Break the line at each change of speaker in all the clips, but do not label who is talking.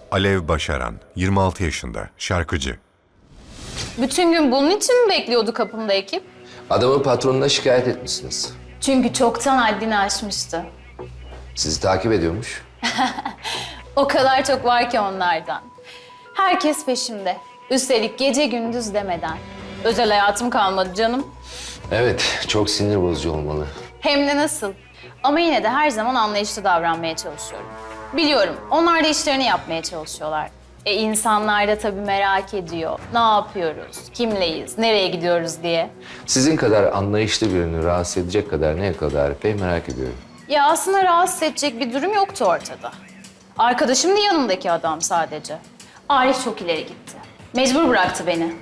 Alev Başaran, 26 yaşında, şarkıcı.
Bütün gün bunun için mi bekliyordu kapımda ekip?
Adamın patronuna şikayet etmişsiniz.
Çünkü çoktan haddini aşmıştı.
Sizi takip ediyormuş.
O kadar çok var ki onlardan. Herkes peşimde. Üstelik gece gündüz demeden. Özel hayatım kalmadı canım.
Evet, çok sinir bozucu olmalı.
Hem de nasıl. Ama yine de her zaman anlayışlı davranmaya çalışıyorum. Biliyorum, onlar da işlerini yapmaya çalışıyorlar. İnsanlar da tabii merak ediyor. Ne yapıyoruz, kimleyiz, nereye gidiyoruz diye.
Sizin kadar anlayışlı birini rahatsız edecek kadar ne kadar epey merak ediyorum.
Ya aslında rahatsız edecek bir durum yoktu ortada. Arkadaşım da yanımdaki adam sadece. Arif çok ileri gitti. Mecbur bıraktı beni.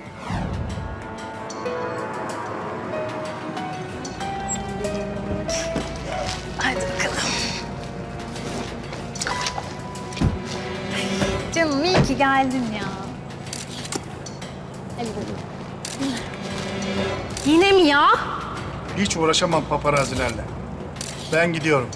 Hadi bakalım. Canım iyi ki geldin ya. Hadi bakalım.
Yine mi ya?
Hiç uğraşamam paparazilerle. Ben gidiyorum.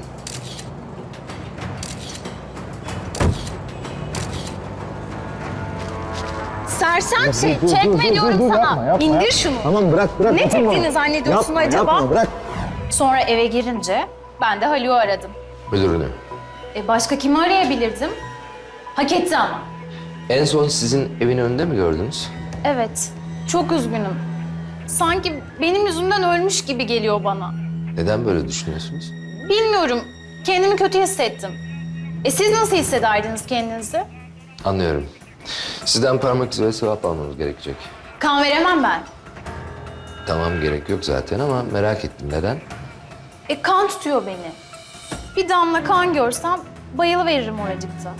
Sersem şey, çekme diyorum sana. İndir şunu.
Tamam bırak.
Ne çektiğini zannediyorsun acaba?
Yapma, bırak.
Sonra eve girince ben de Haluk'u aradım.
Müdürünü.
Başka kimi arayabilirdim? Hak etti ama.
En son sizin evin önünde mi gördünüz?
Evet, çok üzgünüm. Sanki benim yüzümden ölmüş gibi geliyor bana.
Neden böyle düşünüyorsunuz?
Bilmiyorum, kendimi kötü hissettim. Siz nasıl hissederdiniz kendinizi?
Anlıyorum. Sizden parmak izi ve sevap almamız gerekecek.
Kan veremem ben.
Tamam, gerek yok zaten ama merak ettim. Neden?
Kan tutuyor beni. Bir damla kan görsem bayılıveririm oracıkta.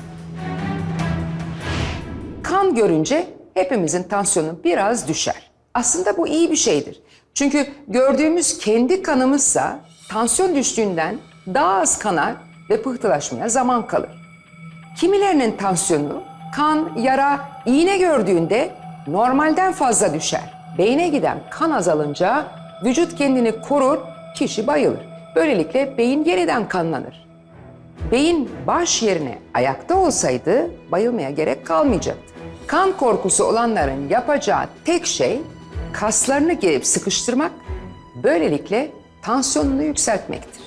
Kan görünce hepimizin tansiyonu biraz düşer. Aslında bu iyi bir şeydir. Çünkü gördüğümüz kendi kanımızsa tansiyon düştüğünden daha az kanar ve pıhtılaşmaya zaman kalır. Kimilerinin tansiyonu kan, yara, iğne gördüğünde normalden fazla düşer. Beyne giden kan azalınca vücut kendini korur, kişi bayılır. Böylelikle beyin yeniden kanlanır. Beyin baş yerine ayakta olsaydı bayılmaya gerek kalmayacaktı. Kan korkusu olanların yapacağı tek şey kaslarını gerip sıkıştırmak, böylelikle tansiyonunu yükseltmektir.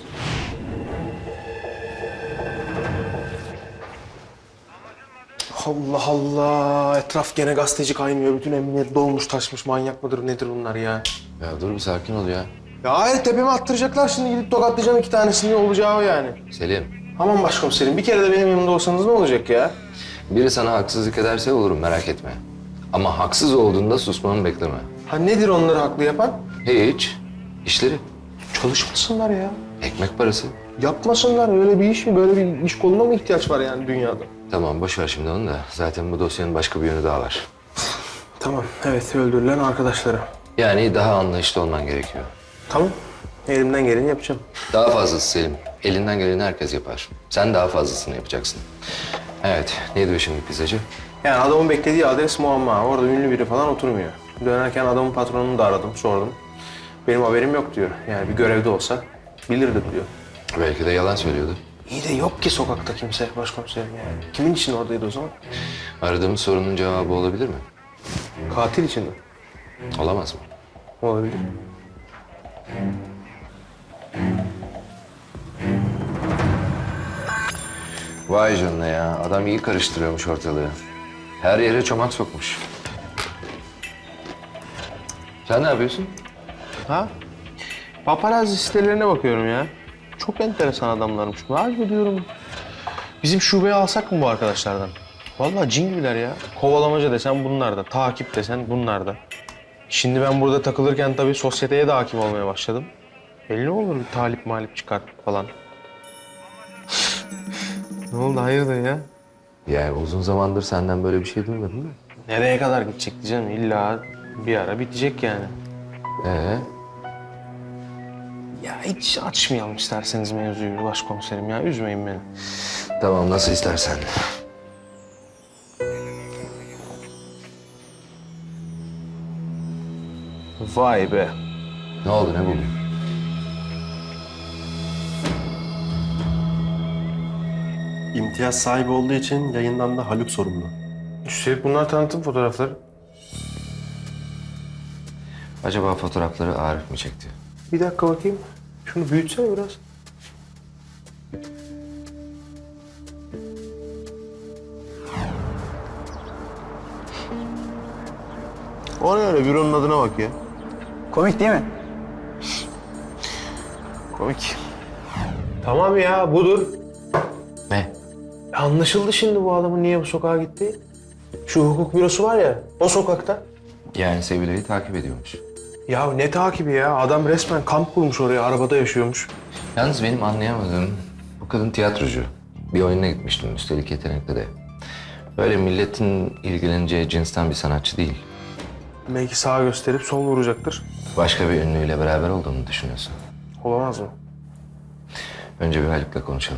Allah Allah. Etraf gene gazeteci kaynıyor. Bütün emniyet dolmuş taşmış. Manyak mıdır nedir bunlar ya?
Ya dur bir sakin ol ya.
Ya hayır tepeme attıracaklar şimdi gidip tokatlayacağım 2 tanesini olacağı o yani.
Selim,
Aman başkomiserim bir kere de benim yanımda olsanız ne olacak ya?
biri sana haksızlık ederse olurum, merak etme. Ama haksız olduğunda susmanı bekleme.
Ha nedir onları haklı yapan?
Hiç. İşleri.
Çalışmasınlar ya.
Ekmek parası.
Yapmasınlar öyle bir iş mi? Böyle bir iş koluna mı ihtiyaç var yani dünyada?
Tamam, boş ver şimdi onu da. Zaten bu dosyanın başka bir yönü daha var.
Tamam evet öldürülen arkadaşları.
Yani daha anlayışlı olman gerekiyor.
Tamam elimden geleni yapacağım.
Daha fazlası Selim. Elinden geleni herkes yapar. Sen daha fazlasını yapacaksın. Evet, ne diyor şimdi pizzacı?
Yani adamın beklediği adres muamma. Orada ünlü biri falan oturmuyor. Dönerken adamın patronunu da aradım, sordum. Benim haberim yok diyor. Yani bir görevde olsa bilirdi diyor.
Belki de yalan söylüyordu.
İyi de yok ki sokakta kimse başkomiserim yani. Kimin için oradaydı o zaman?
Aradığımız sorunun cevabı olabilir mi?
Katil için mi?
Olamaz mı?
Olabilir.
Vay canına ya. Adam iyi karıştırıyormuş ortalığı. Her yere çomak sokmuş. Sen ne yapıyorsun?
Ha? Paparazzi sitelerine bakıyorum ya. Çok enteresan adamlarmış. Vay diyorum. Bizim şubeye alsak mı bu arkadaşlardan? Vallahi cin gibiler ya. Kovalamaca desen bunlar da, takip desen bunlar da. Şimdi ben burada takılırken tabii sosyeteye de hakim olmaya başladım. Belli olur bir talip malip çıkarttık falan. Ne oldu hayırdır ya?
Yani uzun zamandır senden böyle bir şey duymadım mı?
Nereye kadar gidecekti canım? İlla bir ara bitecek yani. Ya hiç açmayalım isterseniz mevzuyu başkomiserim ya. Üzmeyin beni.
Tamam, nasıl istersen.
Vay be.
Ne oldu, ne buldun?
İmtiyaz sahibi olduğu için yayından da Haluk sorumlu.
Üstelik bunlar tanıtım fotoğrafları.
Acaba fotoğrafları Arif mi çekti?
Bir dakika bakayım. Şunu büyütsene biraz. O ne öyle? Büronun adına bak ya.
Komik değil mi?
Komik. Tamam ya, budur.
Ne?
Anlaşıldı şimdi bu adamın niye bu sokağa gittiği. Şu hukuk bürosu var ya, o sokakta.
Yani Sevilay'ı takip ediyormuş.
Ya ne takibi ya? Adam resmen kamp kurmuş oraya, arabada yaşıyormuş.
Yalnız benim anlayamadığım, bu kadın tiyatrocu. Bir oyununa gitmiştim, üstelik yetenekli de. Böyle milletin ilgileneceği cinsten bir sanatçı değil.
Belki sağa gösterip sol vuracaktır.
Başka bir ünlüyle beraber olduğunu düşünüyorsun.
Olamaz mı?
Önce bir Haluk'la konuşalım.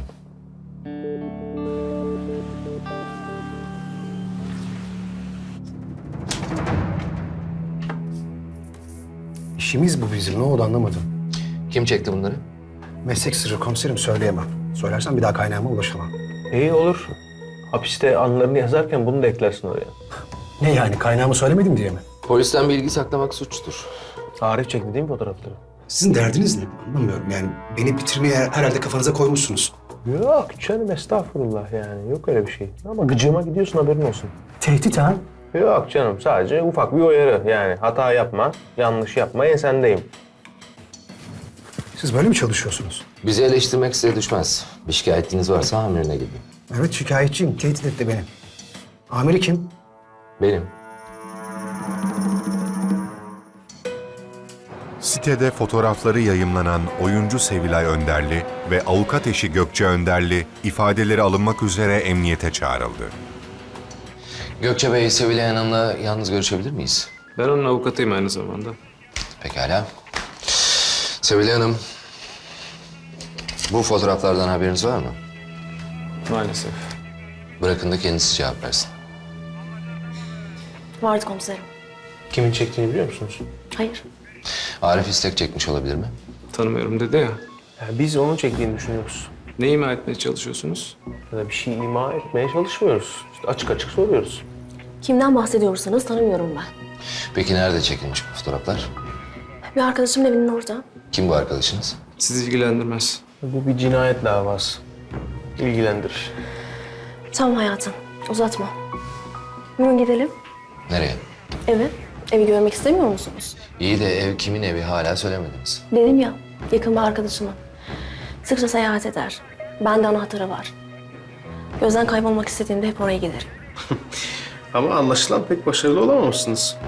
İşimiz bu bizim. Ne oldu anlamadım.
Kim çekti bunları?
Meslek sırrı komiserim söyleyemem. Söylersem bir daha kaynağıma ulaşamam.
İyi olur. Hapiste anılarını yazarken bunu da eklersin oraya.
Ne yani kaynağımı söylemedim diye mi?
Polisten bilgi saklamak suçtur.
Arif çekti değil mi fotoğrafları?
Sizin derdiniz ne? Anlamıyorum yani. Beni bitirmeye herhalde kafanıza koymuşsunuz.
Yok canım, estağfurullah yani. Yok öyle bir şey. Ama gıcığıma gidiyorsun, haberin olsun.
Tehdit ha?
Yok canım, sadece ufak bir uyarı. Yani hata yapma, yanlış yapma, ensendeyim.
Siz böyle mi çalışıyorsunuz?
Bizi eleştirmek size düşmez. Bir şikayetiniz varsa amirine gidin.
Evet şikayetçiyim. Tehdit etti beni. Amiri kim?
Benim.
Sitede fotoğrafları yayımlanan oyuncu Sevilay Önderli ve avukat eşi Gökçe Önderli ifadeleri alınmak üzere emniyete çağrıldı.
Gökçe Bey, Sevilay Hanım'la yalnız görüşebilir miyiz?
Ben onun avukatıyım aynı zamanda.
Pekala. Sevilay Hanım, bu fotoğraflardan haberiniz var mı?
Maalesef.
Bırakın da kendisi cevap versin.
Vardı komiserim.
Kimin çektiğini biliyor musunuz?
Hayır.
Arif istek çekmiş olabilir mi?
Tanımıyorum dedi ya.
Yani biz onun çektiğini düşünüyoruz.
Ne ima etmeye çalışıyorsunuz?
Ya da bir şey ima etmeye çalışmıyoruz. İşte açık açık soruyoruz.
Kimden bahsediyorsanız tanımıyorum ben.
Peki nerede çekilmiş bu fotoğraflar?
Bir arkadaşımın evinin orada.
Kim bu arkadaşınız?
Sizi ilgilendirmez.
Bu bir cinayet davası. İlgilendirir.
Tamam hayatım. Uzatma. Bugün gidelim.
Nereye?
Eve. Evi görmek istemiyor musunuz?
İyi de ev kimin evi hala söylemediniz.
Dedim ya. Yakın bir arkadaşımın. Sıkça seyahat eder. Bende anahtarı var. Gözden kaybolmak istediğimde hep oraya giderim.
Ama anlaşılan pek başarılı olamamışsınız.